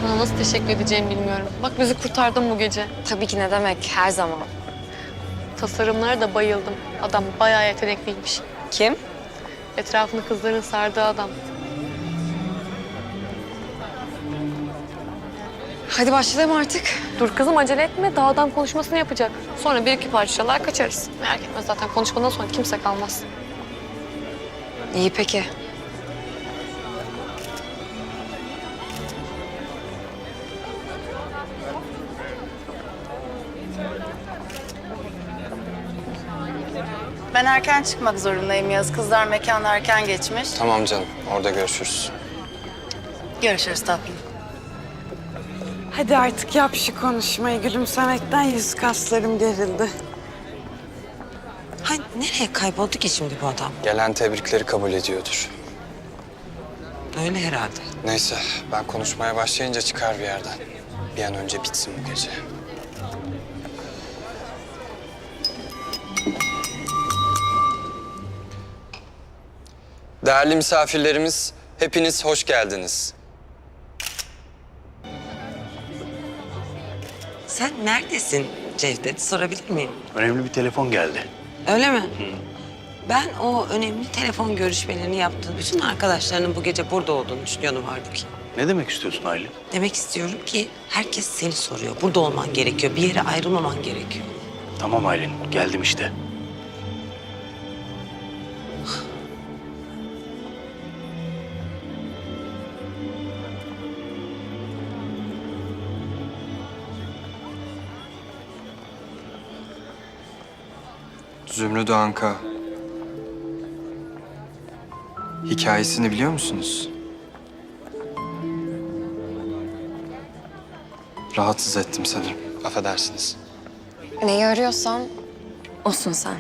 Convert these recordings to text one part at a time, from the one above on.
Sana nasıl teşekkür edeceğimi bilmiyorum. Bak bizi kurtardın bu gece. Tabii ki ne demek, her zaman. Tasarımlara da bayıldım. Adam bayağı yetenekliymiş. Kim? Etrafını kızların sardığı adam. Hadi başlayalım artık. Dur kızım acele etme. Daha adam konuşmasını yapacak. Sonra bir iki parçalar kaçarız. Merak etme zaten konuşmadan sonra kimse kalmaz. İyi peki. Ben erken çıkmak zorundayım Yaz. Kızlar mekana erken geçmiş. Tamam canım, orada görüşürüz. Görüşürüz tatlım. Hadi artık yap şu konuşmayı. Gülümsemekten yüz kaslarım gerildi. Hay nereye kayboldu ki şimdi bu adam? Gelen tebrikleri kabul ediyordur. Öyle herhalde. Neyse, ben konuşmaya başlayınca çıkar bir yerden. Bir an önce bitsin bu gece. Değerli misafirlerimiz, hepiniz hoş geldiniz. Sen neredesin Cevdet? Sorabilir miyim? Önemli bir telefon geldi. Öyle mi? Ben o önemli telefon görüşmelerini yaptığın bütün arkadaşlarının bu gece burada olduğunu düşünüyordum halbuki. Ne demek istiyorsun Aylin? Demek istiyorum ki herkes seni soruyor. Burada olman gerekiyor. Bir yere ayrılmaman gerekiyor. Tamam Aylin, geldim işte. Zümrüt Anka. Hikayesini biliyor musunuz? Rahatsız ettim sanırım. Affedersiniz. Neyi arıyorsan olsun sen.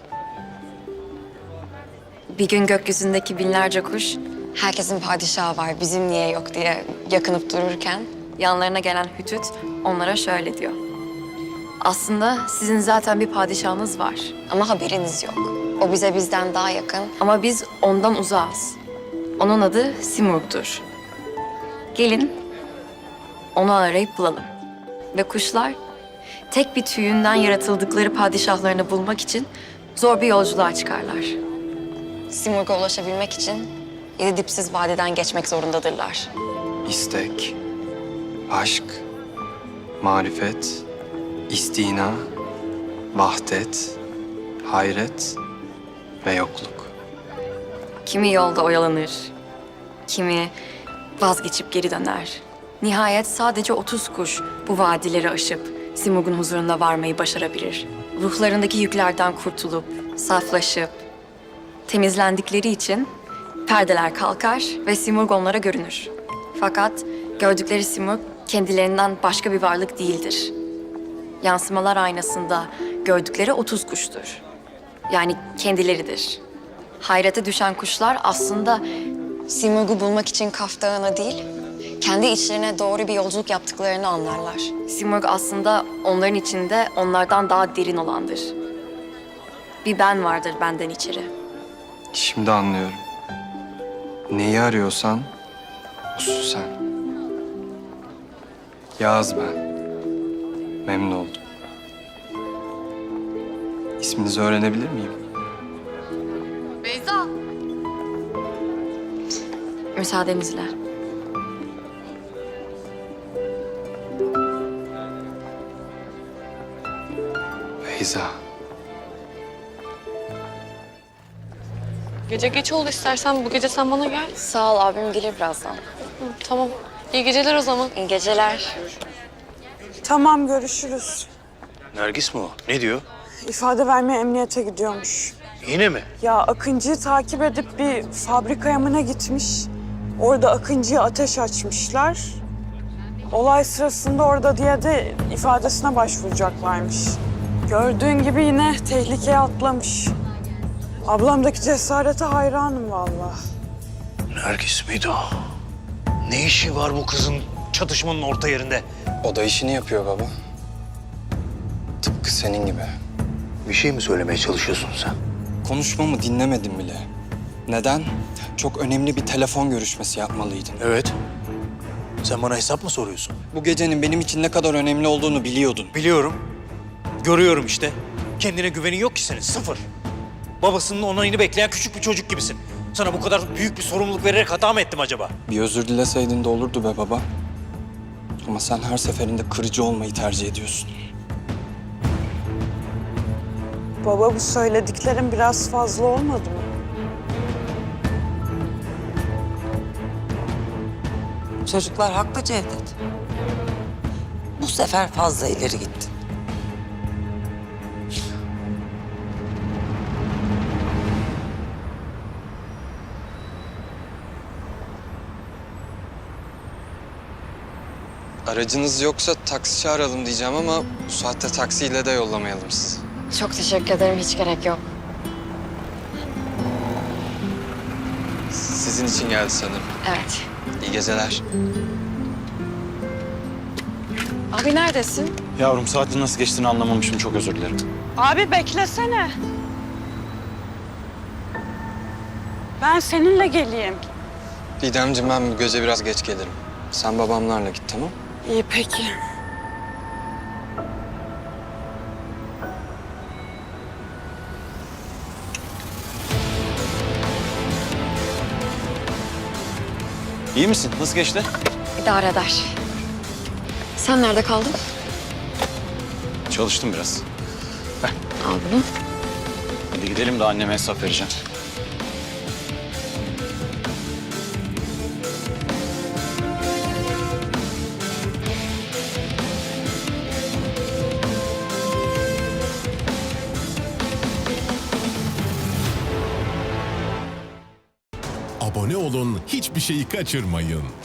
Bir gün gökyüzündeki binlerce kuş, herkesin padişahı var, bizim niye yok diye yakınıp dururken yanlarına gelen Hütüt onlara şöyle diyor. Aslında sizin zaten bir padişahınız var. Ama haberiniz yok. O bize bizden daha yakın. Ama biz ondan uzağız. Onun adı Simurg'dur. Gelin onu arayıp bulalım. Ve kuşlar tek bir tüyünden yaratıldıkları padişahlarını bulmak için zor bir yolculuğa çıkarlar. Simurg'a ulaşabilmek için 7 dipsiz vadiden geçmek zorundadırlar. İstek, aşk, marifet, istina, vahdet, hayret ve yokluk. Kimi yolda oyalanır, kimi vazgeçip geri döner. Nihayet sadece 30 kuş bu vadileri aşıp Simurg'un huzuruna varmayı başarabilir. Ruhlarındaki yüklerden kurtulup, saflaşıp, temizlendikleri için perdeler kalkar ve Simurg onlara görünür. Fakat gördükleri Simurg kendilerinden başka bir varlık değildir. Yansımalar aynasında gördükleri 30 kuştur. Yani kendileridir. Hayrete düşen kuşlar aslında Simurg'u bulmak için Kaf Dağı'na değil, kendi içlerine doğru bir yolculuk yaptıklarını anlarlar. Simurg aslında onların içinde onlardan daha derin olandır. Bir ben vardır benden içeri. Şimdi anlıyorum. Neyi arıyorsan osun sen. Yağız ben. Memnun oldum. İsminizi öğrenebilir miyim? Beyza. Müsaadenizle. Beyza. Gece geç oldu istersen bu gece sen bana gel. Sağ ol, abim gelir birazdan. Hı, tamam. İyi geceler o zaman. İyi geceler. Tamam, görüşürüz. Nergis mi o? Ne diyor? İfade vermeye emniyete gidiyormuş. Yine mi? Ya Akıncı'yı takip edip bir fabrikaya mı ne gitmiş? Orada Akıncı'ya ateş açmışlar. Olay sırasında orada diye de ifadesine başvuracaklarmış. Gördüğün gibi yine tehlikeye atlamış. Ablamdaki cesarete hayranım vallahi. Nergis miydi o? Ne işi var bu kızın çatışmanın orta yerinde? O da işini yapıyor baba. Tıpkı senin gibi. Bir şey mi söylemeye çalışıyorsun sen? Konuşmamı dinlemedin bile. Neden? Çok önemli bir telefon görüşmesi yapmalıydın. Evet. Sen bana hesap mı soruyorsun? Bu gecenin benim için ne kadar önemli olduğunu biliyordun. Biliyorum. Görüyorum işte. Kendine güvenin yok ki senin. Sıfır. Babasının onayını bekleyen küçük bir çocuk gibisin. Sana bu kadar büyük bir sorumluluk vererek hata mı ettim acaba? Bir özür dileseydin de olurdu be baba. Ama sen her seferinde kırıcı olmayı tercih ediyorsun. Baba bu söylediklerin biraz fazla olmadı mı? Çocuklar haklı Cevdet. Bu sefer fazla ileri gittin. Aracınız yoksa taksi çağıralım diyeceğim ama bu saatte taksiyle de yollamayalım sizi. Çok teşekkür ederim. Hiç gerek yok. Sizin için geldi sanırım. Evet. İyi geceler. Abi neredesin? Yavrum saatin nasıl geçtiğini anlamamışım. Çok özür dilerim. Abi beklesene. Ben seninle geleyim. Didemciğim ben bu gece biraz geç gelirim. Sen babamlarla git tamam? İyi peki. İyi misin? Nasıl geçti? İdare eder. Sen nerede kaldın? Çalıştım biraz. Al bunu. Hadi gidelim de anneme hesap vereceğim. Abone olun, hiçbir şeyi kaçırmayın.